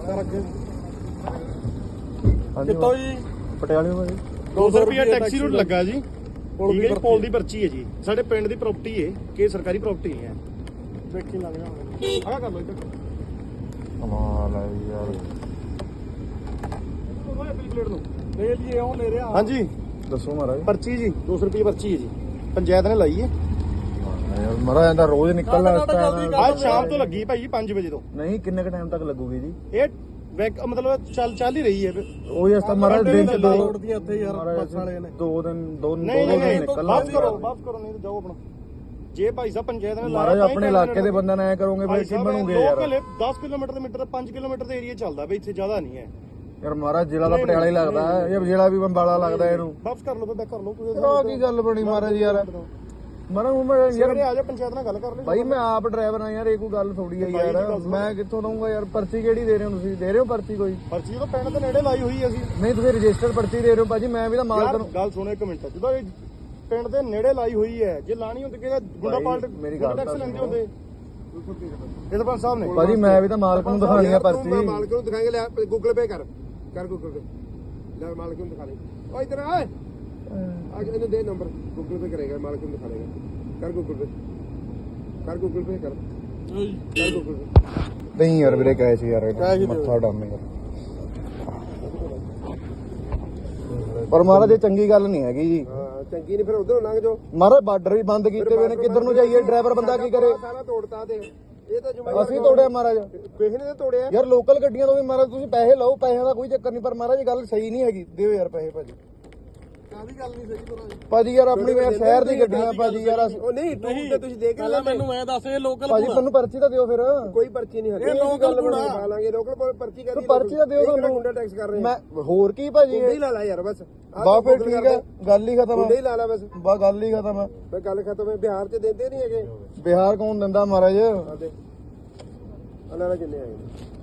ਕਿੱਥੋਂ ਜੀ? ਪਟਿਆਲੇ ਤੋਂ ਜੀ। 200 ਰੁਪਏ ਟੈਕਸੀ ਰੂਟ ਲੱਗਾ ਜੀ। ਠੀਕ ਹੈ ਜੀ, ਪੋਲ ਦੀ ਪਰਚੀ ਹੈ ਜੀ। ਸਾਡੇ ਪਿੰਡ ਦੀ ਪ੍ਰਾਪਰਟੀ ਹੈ ਕਿ ਸਰਕਾਰੀ ਪ੍ਰਾਪਰਟੀ ਹੈ। ਵੇਖੀ ਲੱਗ ਜਾ ਆਹ ਕਰ ਲਓ ਇੱਧਰ। ਕਮਾਲ ਹੈ ਯਾਰ। ਪਲੇਟ ਨੂੰ ਲੈ ਲਈਏ ਉਹ ਲੈ ਰਿਹਾ। ਹਾਂਜੀ ਦੱਸੋ ਮਹਾਰਾਜ। ਪਰਚੀ ਜੀ 200 ਰੁਪਏ ਪਰਚੀ ਹੈ ਜੀ, ਪੰਚਾਇਤ ਨੇ ਲਾਈ ਹੈ ਯਾਰ। ਮਹਾਰਾਜ ਇਹਦਾ ਰੋਜ਼ ਨਿਕਲਣਾ ਇਸ ਟਾਈਮ। ਅੱਜ ਸ਼ਾਮ ਤੋਂ ਲੱਗੀ ਭਾਈ 5 ਵਜੇ ਤੋਂ। ਨਹੀਂ ਕਿੰਨੇ ਕ ਟਾਈਮ ਤੱਕ ਲੱਗੂਗੀ ਜੀ ਇਹ ਮਤਲਬ ਚੱਲ ਹੀ ਰਹੀ ਹੈ। ਉਹ ਇਸ ਤਾਂ ਮਹਾਰਾਜ ਦਿਨ ਚ ਦੋ ਦੀਆਂ ਇੱਥੇ ਯਾਰ ਬੱਸ ਵਾਲੇ ਨੇ 2 ਦਿਨ ਨਹੀਂ ਨਿਕਲਣਾ। ਵਾਪਸ ਕਰੋ ਨਹੀਂ ਤਾਂ ਜਾਓ ਆਪਣਾ। ਜੇ ਭਾਈ ਸਾਹਿਬ ਪੰਚਾਇਤ ਨੇ ਮਹਾਰਾਜ ਆਪਣੇ ਇਲਾਕੇ ਦੇ ਬੰਦਿਆਂ ਨਾਲ ਐ ਕਰੋਗੇ ਭਾਈ ਕੀ ਬਣੂਗੇ ਯਾਰ। 10 ਕਿਲੋਮੀਟਰ ਦੇ ਮੀਟਰ 5 ਕਿਲੋਮੀਟਰ ਦੇ ਏਰੀਆ ਚੱਲਦਾ ਬਈ, ਇੱਥੇ ਜ਼ਿਆਦਾ ਨਹੀਂ ਹੈ ਯਾਰ। ਮਹਾਰਾਜ ਜ਼ਿਲ੍ਹਾ ਦਾ ਪਟਿਆਲਾ ਹੀ ਲੱਗਦਾ ਹੈ ਇਹ ਜ਼ਿਲ੍ਹਾ ਵੀ ਬੰਬਾਲਾ ਲੱਗਦਾ ਇਹਨੂੰ। ਵਾਪਸ ਕਰ ਲਓ ਤਾਂ ਕਰ ਲਓ ਕੋਈ ਕੀ ਗੱਲ ਬਣੀ ਮਹਾਰਾਜ ਯਾਰ। ਮਹਾਰਾਜ ਯਾਰ ਆ ਜਾ ਪੰਚਾਇਤ ਨਾਲ ਗੱਲ ਕਰ ਲੈ ਭਾਈ। ਮੈਂ ਆਪ ਡਰਾਈਵਰ ਆ ਯਾਰ, ਇਹ ਕੋਈ ਗੱਲ ਥੋੜੀ ਹੈ ਯਾਰ। ਮੈਂ ਕਿੱਥੋਂ ਦਊਂਗਾ ਯਾਰ। ਪਰਚੀ ਕਿਹੜੀ ਦੇ ਰਹੇ ਹੋ ਤੁਸੀਂ? ਦੇ ਰਹੇ ਹੋ ਪਰਚੀ ਕੋਈ? ਪਰਚੀ ਤਾਂ ਪਿੰਡ ਦੇ ਨੇੜੇ ਲਾਈ ਹੋਈ ਹੈ ਅਸੀਂ। ਨਹੀਂ ਤੁਸੀਂ ਰਜਿਸਟਰ ਪਰਚੀ ਦੇ ਰਹੇ ਹੋ ਭਾਜੀ। ਮੈਂ ਵੀ ਤਾਂ ਮਾਲਕ ਨੂੰ ਗੱਲ ਸੁਣੋ ਇੱਕ ਮਿੰਟ। ਜਦੋਂ ਇਹ ਪਿੰਡ ਦੇ ਨੇੜੇ ਲਾਈ ਹੋਈ ਹੈ, ਜੇ ਲਾਣੀ ਹੁੰਦੀ ਕਿ ਗੁੰਡਾ ਪਾਲਟ ਮੇਰੀ ਗੱਲ ਟੈਕਸ ਲੈਂਦੇ ਹੁੰਦੇ ਇਹ ਸਰਪੰਚ ਸਾਹਿਬ ਨੇ। ਭਾਜੀ ਮੈਂ ਵੀ ਤਾਂ ਮਾਲਕ ਨੂੰ ਦਿਖਾਣੀ ਆ ਪਰਚੀ। ਮਾਲਕ ਨੂੰ ਦਿਖਾਏਗਾ। ਲੈ ਗੂਗਲ ਪੇ ਕਰ ਗੂਗਲ ਪੇ। ਲੈ ਮਾਲਕ ਨੂੰ ਦਿਖਾ ਲੈ। ਓ ਇਧਰ ਆ ਇਹਨੂੰ ਦੇ ਨੰਬਰ। ਗੂਗਲ ਪੇ ਕਰੇਗਾ, ਮਾਲਕ ਨੂੰ ਦਿਖਾ ਦੇਗਾ। ਕਰ ਗੂਗਲ ਪੇ ਕਰ ਗੂਗਲ ਪੇ ਕਰ ਗੂਗਲ ਪੇ। ਨਹੀਂ ਯਾਰ ਵੀਰੇ ਕਹੇ ਸੀ ਯਾਰ ਮੱਥਾ ਡਾਮੇਗਾ। ਪਰ ਮਹਾਰਾਜ ਇਹ ਚੰਗੀ ਗੱਲ ਨਹੀਂ ਹੈਗੀ ਜੀ। ਹਾਂ ਚੰਗੀ ਨਹੀਂ, ਫਿਰ ਉਧਰੋਂ ਲੰਘ ਜਾਓ। ਮਹਾਰਾਜ ਬਾਰਡਰ ਵੀ ਬੰਦ ਕੀਤੇ ਹੋਏ ਨੇ, ਕਿੱਧਰ ਨੂੰ ਜਾਈਏ? ਡਰਾਈਵਰ ਬੰਦਾ ਕੀ ਕਰੇ? ਸਾਰਾ ਤੋੜਤਾ ਤੇ ਇਹ ਤਾਂ ਅਸੀਂ ਤੋੜਿਆ ਮਹਾਰਾਜ। ਕਿਸੇ ਨੇ ਤਾਂ ਤੋੜਿਆ ਯਾਰ ਲੋਕਲ ਗੱਡੀਆਂ ਤੋਂ ਵੀ ਮਹਾਰਾਜ ਤੁਸੀਂ ਪੈਸੇ ਲਓ, ਪੈਸਿਆਂ ਦਾ ਕੋਈ ਚੱਕਰ ਨਹੀਂ। ਪਰ ਮਹਾਰਾਜ ਇਹ ਗੱਲ ਸਹੀ ਨਹੀਂ ਹੈਗੀ। ਦਿਓ ਯਾਰ ਪੈਸੇ ਭਾਜੀ। ਕਾਹਦੀ ਗੱਲ ਨਹੀਂ ਸਹੀ ਤੋਰਾ ਭਾਜੀ ਯਾਰ ਆਪਣੀ ਸ਼ਹਿਰ ਦੀ ਗੱਡੀਆਂ ਭਾਜੀ ਯਾਰ। ਉਹ ਨਹੀਂ ਟੂਰ ਤੇ ਤੁਸੀਂ ਦੇਖ ਲੈ। ਮੈਨੂੰ ਮੈਂ ਦੱਸ ਇਹ ਲੋਕਲ ਭਾਜੀ ਤੁਹਾਨੂੰ ਪਰਚੀ ਤਾਂ ਦਿਓ ਫਿਰ। ਕੋਈ ਪਰਚੀ ਨਹੀਂ ਹੱਲੇ। ਇਹ ਲੋਕਲ ਬਣਾ ਲਾਂਗੇ। ਲੋਕਲ ਪਰਚੀ ਕਰ ਪਰਚੀ ਤਾਂ ਦਿਓ ਸਾਨੂੰ। ਗੁੰਡਾ ਟੈਕਸ ਕਰ ਰਹੇ ਮੈਂ ਹੋਰ ਕੀ ਭਾਜੀ। ਗੁੰਡੇ ਹੀ ਲਾ ਲਾ ਯਾਰ ਬਸ। ਬਾ ਫਿਰ ਠੀਕ ਹੈ, ਗੱਲ ਹੀ ਖਤਮ ਗੁੰਡੇ ਹੀ ਹੈ। ਲਾ ਲਾ ਬਸ। ਬਾ ਗੱਲ ਹੀ ਖਤਮ ਹੈ। ਬਈ ਗੱਲ ਖਤਮ ਹੈ। ਬਿਹਾਰ ਚ ਦਿੰਦੇ ਨਹੀਂ ਹੈਗੇ। ਬਿਹਾਰ ਕੌਣ ਦਿੰਦਾ ਮਹਾਰਾਜ? ਆਦੇ ਅਨਾਰਾ ਕਿੰਨੇ ਆਏ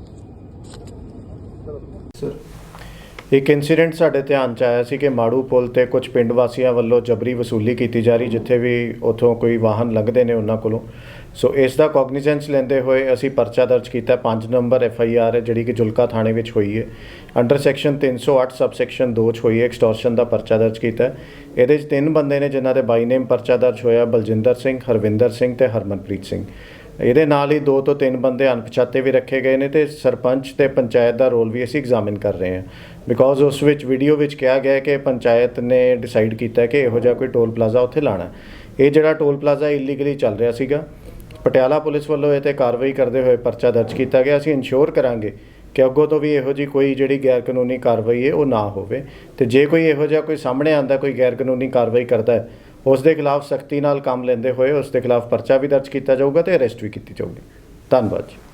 ਸਰ ਇੱਕ ਇਨਸੀਡੈਂਟ ਸਾਡੇ ਧਿਆਨ 'ਚ ਆਇਆ ਸੀ ਕਿ ਮਾੜੂ ਪੁਲ ਤੇ ਕੁਝ ਪਿੰਡ ਵਾਸੀਆਂ ਵੱਲੋਂ ਜਬਰੀ ਵਸੂਲੀ ਕੀਤੀ ਜਾ ਰਹੀ, ਜਿੱਥੇ ਵੀ ਉੱਥੋਂ ਕੋਈ ਵਾਹਨ ਲੰਘਦੇ ਨੇ ਉਹਨਾਂ ਕੋਲੋਂ। ਸੋ ਇਸ ਦਾ ਕੋਗਨੀਜੈਂਸ ਲੈਂਦੇ ਹੋਏ ਅਸੀਂ ਪਰਚਾ ਦਰਜ ਕੀਤਾ। 5 ਨੰਬਰ FIR ਹੈ ਜਿਹੜੀ ਕਿ ਜੁਲਕਾ ਥਾਣੇ ਵਿੱਚ ਹੋਈ ਹੈ। ਅੰਡਰ ਸੈਕਸ਼ਨ 308 ਸਬਸੈਕਸ਼ਨ 2 'ਚ ਹੋਈ ਹੈ। ਐਕਸਟੋਰਸ਼ਨ ਦਾ ਪਰਚਾ ਦਰਜ ਕੀਤਾ। ਇਹਦੇ 'ਚ 3 ਬੰਦੇ ਨੇ ਜਿਨ੍ਹਾਂ ਦੇ ਬਾਈ ਨੇਮ ਪਰਚਾ ਦਰਜ ਹੋਇਆ, ਬਲਜਿੰਦਰ ਸਿੰਘ, ਹਰਵਿੰਦਰ ਸਿੰਘ ਤੇ ਹਰਮਨਪ੍ਰੀਤ ਸਿੰਘ। ਇਹਦੇ ਨਾਲ ਹੀ 2 ਤੋਂ 3 ਬੰਦੇ ਅਣਪਛਾਤੇ ਵੀ ਰੱਖੇ ਗਏ ਨੇ ਤੇ ਸਰਪੰਚ ਤੇ ਪੰਚਾਇਤ ਦਾ ਰੋਲ ਵੀ ਅਸੀਂ ਐਗਜ਼ਾਮਿਨ ਕਰ ਰਹੇ ਹਾਂ। ਬਿਕੋਜ਼ ਉਸ ਵਿੱਚ ਵੀਡੀਓ ਵਿੱਚ ਕਿਹਾ ਗਿਆ ਕਿ ਪੰਚਾਇਤ ਨੇ ਡਿਸਾਈਡ ਕੀਤਾ ਕਿ ਇਹੋ ਜਿਹਾ ਕੋਈ ਟੋਲ ਪਲਾਜ਼ਾ ਉੱਥੇ ਲਾਣਾ। ਇਹ ਜਿਹੜਾ ਟੋਲ ਪਲਾਜ਼ਾ ਇਲੀਗਲੀ ਚੱਲ ਰਿਹਾ ਸੀਗਾ। ਪਟਿਆਲਾ ਪੁਲਿਸ ਵੱਲੋਂ ਇਹ 'ਤੇ ਕਾਰਵਾਈ ਕਰਦੇ ਹੋਏ ਪਰਚਾ ਦਰਜ ਕੀਤਾ ਗਿਆ। ਅਸੀਂ ਇਨਸ਼ੋਰ ਕਰਾਂਗੇ ਕਿ ਅੱਗੋਂ ਤੋਂ ਵੀ ਇਹੋ ਜਿਹੀ ਕੋਈ ਜਿਹੜੀ ਗੈਰ ਕਾਨੂੰਨੀ ਕਾਰਵਾਈ ਹੈ ਉਹ ਨਾ ਹੋਵੇ। ਤੇ ਜੇ ਕੋਈ ਇਹੋ ਜਿਹਾ ਕੋਈ ਸਾਹਮਣੇ ਆਉਂਦਾ ਕੋਈ ਗੈਰ ਕਾਨੂੰਨੀ ਕਾਰਵਾਈ ਕਰਦਾ ਹੈ, ਉਸ ਦੇ ਖਿਲਾਫ ਸਖਤੀ ਨਾਲ ਕੰਮ ਲੈਂਦੇ ਹੋਏ ਉਸ ਦੇ ਖਿਲਾਫ ਪਰਚਾ ਵੀ ਦਰਜ ਕੀਤਾ ਜਾਊਗਾ ਤੇ ਅਰੈਸਟ ਵੀ ਕੀਤੀ ਜਾਊਗੀ। ਧੰਨਵਾਦ ਜੀ।